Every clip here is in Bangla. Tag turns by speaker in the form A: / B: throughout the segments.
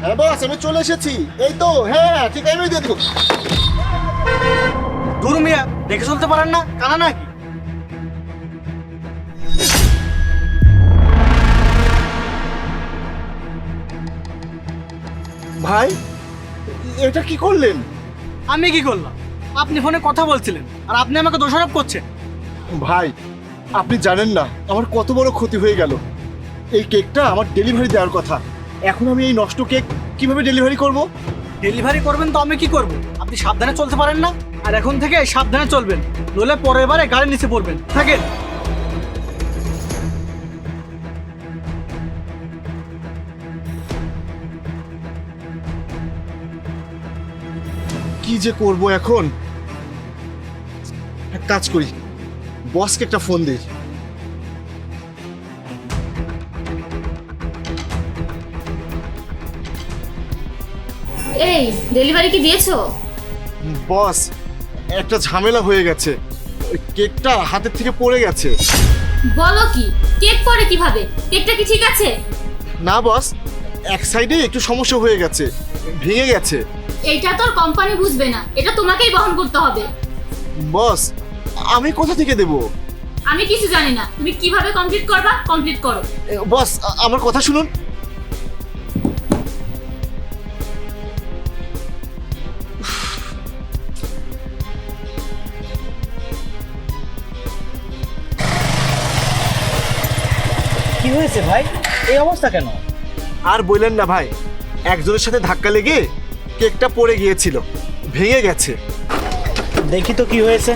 A: হ্যাঁ বস, আমি চলে এসেছি। এই তো, হ্যাঁ ঠিক আমি দিয়ে দেবো।
B: দূর মিয়া, দেখে চলতে পারেন না? কানা নাকি?
A: ভাই, এটা কি করলেন?
B: আমি কি করলাম? আপনি ফোনে কথা বলছিলেন আর আপনি আমাকে দোষারোপ করছেন।
A: ভাই, আপনি জানেন না আমার কত বড় ক্ষতি হয়ে গেল। এই কেকটা আমার ডেলিভারি দেওয়ার কথা, এখন আমি এই নষ্ট কেক কিভাবে ডেলিভারি করব?
B: ডেলিভারি করবেন তো আমি কি করব? আপনি সাবধানে চলতে পারেন না? আর এখন থেকে সাবধানে চলবেন, নইলে পরের বারে গাড়ির নিচে পড়বেন। থাকেন।
A: কি যে করব এখন? এক কাজ করি, বসকে একটা ফোন দিই।
C: এই ডেলিভারি কি দিয়েছো?
A: বস, একটা ঝামেলা হয়ে গেছে, ওই কেকটা হাতের থেকে পড়ে গেছে।
C: বলো কি? কেক পরে কিভাবে? কেকটা কি ঠিক আছে?
A: না বস, এক সাইডে একটু সমস্যা হয়ে গেছে, ভেঙে গেছে।
C: এইটা তোর কোম্পানি বুঝবে না, এটা তোমাকেই বহন করতে হবে।
A: বস, আমি কোথা থেকে দেব?
C: আমি কিছু জানি না, তুমি কিভাবে কমপ্লিট করবা কমপ্লিট করো।
A: বস, আমার কথা শুনুন।
B: কি হয়েছে ভাই? এই অবস্থা কেন?
A: আর বললেন না ভাই, একজনের সাথে ধাক্কা লেগে কেকটা পড়ে গিয়েছিল, ভেঙে গেছে।
B: দেখি তো কি হয়েছে।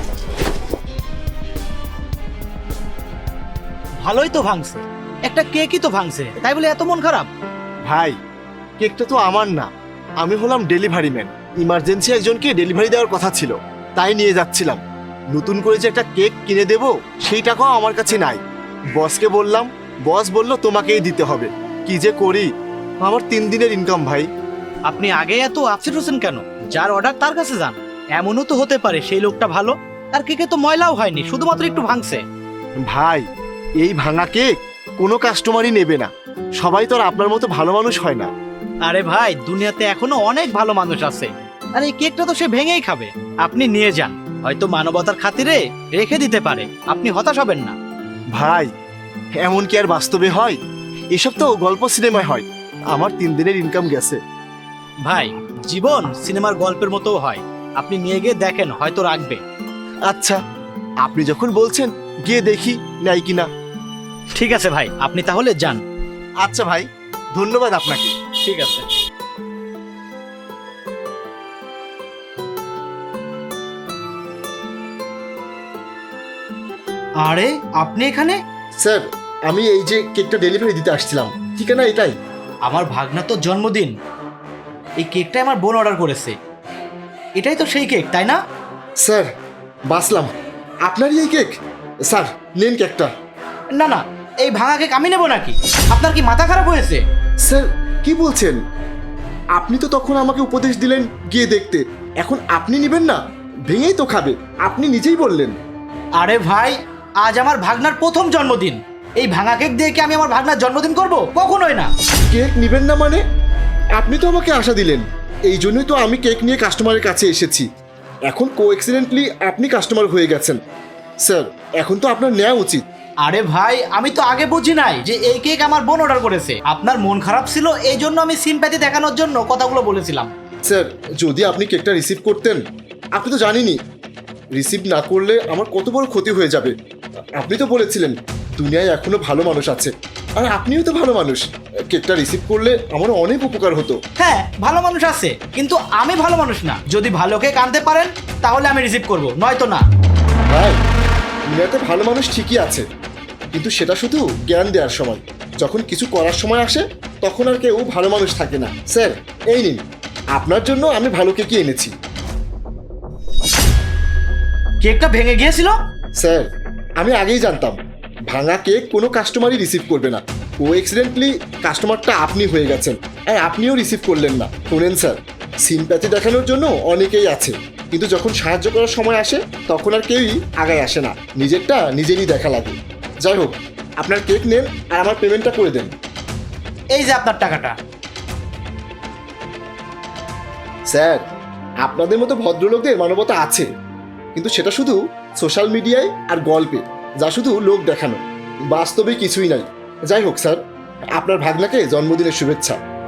B: ভালোই তো ভাঙছে, একটা কেকই তো ভাঙছে, তাই বলে এত মন খারাপ?
A: ভাই, কেকটা তো আমার না, আমি হলাম ডেলিভারি ম্যান। ইমার্জেন্সি একজনকে ডেলিভারি দেওয়ার কথা ছিল, তাই নিয়ে যাচ্ছিলাম। নতুন করে যে একটা কেক কিনে দেব সেই টাকাও আমার কাছে নাই। বসকে বললাম, বস বলল তোমাকেই দিতে হবে। কি যে করি, আমার 3 দিনের ইনকাম ভাই।
D: আপনি আগে এত আপসেট হচ্ছেন কেন? যার অর্ডার তার কাছে যান। এমনও তো হতে পারে সেই লোকটা ভালো, তার কেকে তো ময়লাও হয়নি, শুধুমাত্র একটু ভাঙছে।
A: ভাই, এই ভাঙা কেক কোনো কাস্টমারই নেবে না, সবাই তো আর আপনার মতো ভালো মানুষ হয় না।
D: আরে ভাই, দুনিয়াতে এখনো অনেক ভালো মানুষ আছে, আর এই কেকটা তো সে ভেঙেই খাবে। আপনি নিয়ে যান, হয়তো মানবতার খাতিরে রেখে দিতে পারে, আপনি হতাশ হবেন না।
A: ভাই, এমন কি আর বাস্তবে হয়? এসব তো গল্প সিনেমায় হয়। আমার 3 দিনের ইনকাম গেছে।
D: ভাই, জীবন সিনেমার গল্পের মতো হয়, আপনি নিয়ে গিয়ে দেখেন, হয়তো রাখবে।
A: আচ্ছা, আপনি যখন বলছেন গিয়ে দেখি নাই কিনা।
D: ঠিক আছে ভাই, আপনি তাহলে যান।
A: আচ্ছা ভাই, ধন্যবাদ আপনাকে।
D: ঠিক আছে। আরে আপনি এখানে?
A: স্যার, আমি এই যে কেকটা ডেলিভারি দিতে আসছিলাম, ঠিকানা এটাই।
D: আমার ভাগনা তো জন্মদিন, এই কেকটাই আমার বোন অর্ডার করেছে। এটাই তো সেই কেক, তাই না?
A: স্যার, বাসলাম, আপনারই এই কেক। স্যার, নেন কেকটা।
D: না না, এই ভাঙা কেক আমি নেব নাকি? আপনার কি মাথা খারাপ হয়েছে?
A: স্যার, কি বলছেন? আপনি তো তখন আমাকে উপদেশ দিলেন গিয়ে দেখতে, এখন আপনি নেবেন না? ভেঙেই তো খাবে, আপনি নিজেই বললেন।
D: আরে ভাই, আজ আমার ভাগনার প্রথম জন্মদিন, এই ভাঙা কেক দিয়ে কি আমি আমার ভাগনার জন্মদিন করব? কখনোই না।
A: কেক নেবেন না মানে? আপনি তো আমাকে আশা দিলেন, এই জন্যই তো আমি কেক নিয়ে কাস্টমারের কাছে এসেছি। এখন কোএক্সিডেন্টলি আপনি কাস্টমার হয়ে গেছেন। স্যার, এখন তো আপনার নেওয়া উচিত।
D: আরে ভাই, আমি তো আগে বুঝি নাই যে এই কেক আমার বোন অর্ডার করেছে। আপনার মন খারাপ ছিল, এই জন্য আমি সিম্প্যাথি দেখানোর জন্য কথাগুলো বলেছিলাম।
A: স্যার, যদি আপনি কেকটা রিসিভ করতেন, আপনি তো জানেনই রিসিভ না করলে আমার কত বড় ক্ষতি হয়ে যাবে। আপনি তো বলেছিলেন দুনিয়ায় এখনো ভালো মানুষ আছে, আর আপনিও তো ভালো মানুষ। কেকটা রিসিভ করলে আমার অনেক উপকার হতো।
D: হ্যাঁ, ভালো মানুষ আছে, কিন্তু আমি ভালো মানুষ না। যদি ভালো কেক আনতে পারেন তাহলে আমি রিসিভ করব, নয়তো না।
A: ভাই, দুনিয়াতে ভালো মানুষ ঠিকই আছে, কিন্তু সেটা শুধু জ্ঞান দেওয়ার সময়। যখন কিছু করার সময় আসে তখন আর কেউ ভালো মানুষ থাকে না। স্যার, এই নিন, আপনার জন্য আমি ভালো কেকই এনেছি।
D: কেকটা ভেঙে গিয়েছিল?
A: স্যার, আমি আগেই জানতাম ভাঙা কেক কোনো কাস্টমারই রিসিভ করবে না। কোএক্সিডেন্টলি কাস্টমারটা আপনি হয়ে গেছেন, আর আপনিও রিসিভ করলেন না। শোনেন স্যার, সিম্প্যাথি দেখানোর জন্য অনেকেই আছে, কিন্তু যখন সাহায্য করার সময় আসে তখন আর কেউই আগায় আসে না। নিজেরটা নিজেরই দেখা লাগে। যাই হোক, আপনার কেক নেন আর আমার পেমেন্টটা করে দেন।
D: এই যে আপনার টাকাটা।
A: স্যার, আপনাদের মতো ভদ্রলোকদের মানবতা আছে, কিন্তু সেটা শুধু সোশ্যাল মিডিয়ায় আর গল্পে, যা শুধু লোক দেখানো, বাস্তবে কিছুই নাই। যাই হোক স্যার, আপনার ভাগনাকে জন্মদিনের শুভেচ্ছা।